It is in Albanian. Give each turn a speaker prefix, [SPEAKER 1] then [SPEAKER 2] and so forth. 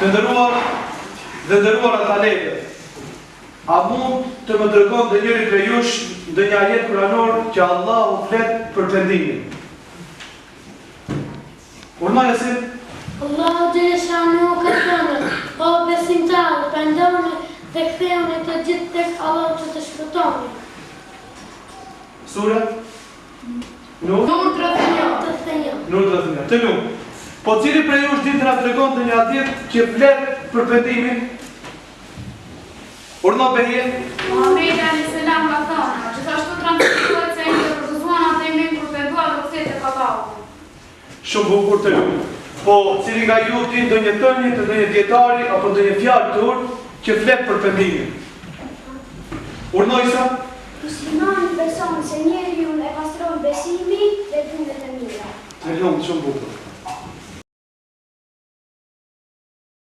[SPEAKER 1] Dhe nderuar atalete, a mund të më tregon dhe njëri prej jush ndë një ajet kuranor që Allahu flet për pendimin? Urna Jasin?
[SPEAKER 2] Allahu Gjeleshanu ka thënë, o besimtarë, pendoni dhe kthehuni të gjithë tek Allahu që të shpëtoni.
[SPEAKER 1] Sura? Nur
[SPEAKER 2] 31.
[SPEAKER 1] Nur 31. Të lumë. Po cili prej jush din të nga tregon dhe një ajet që flet për pendimin? Urna Behjen?
[SPEAKER 3] Muhamedi a.s. ka thënë, gjithashtu transmetohet se ai përgëzuan atë emrin kur penduar dhe kthehet tek Allahu.
[SPEAKER 1] Shumë bukur të lumë. Po cili nga ju din do një tënje të ndonjë dietari apo ndonjë fjalë tur që flet për pendimin? Urnojsa?
[SPEAKER 4] Muslimani beson se njeriu e pastron besimi dhe punët e mira.
[SPEAKER 1] Të lumë, shumë bukur.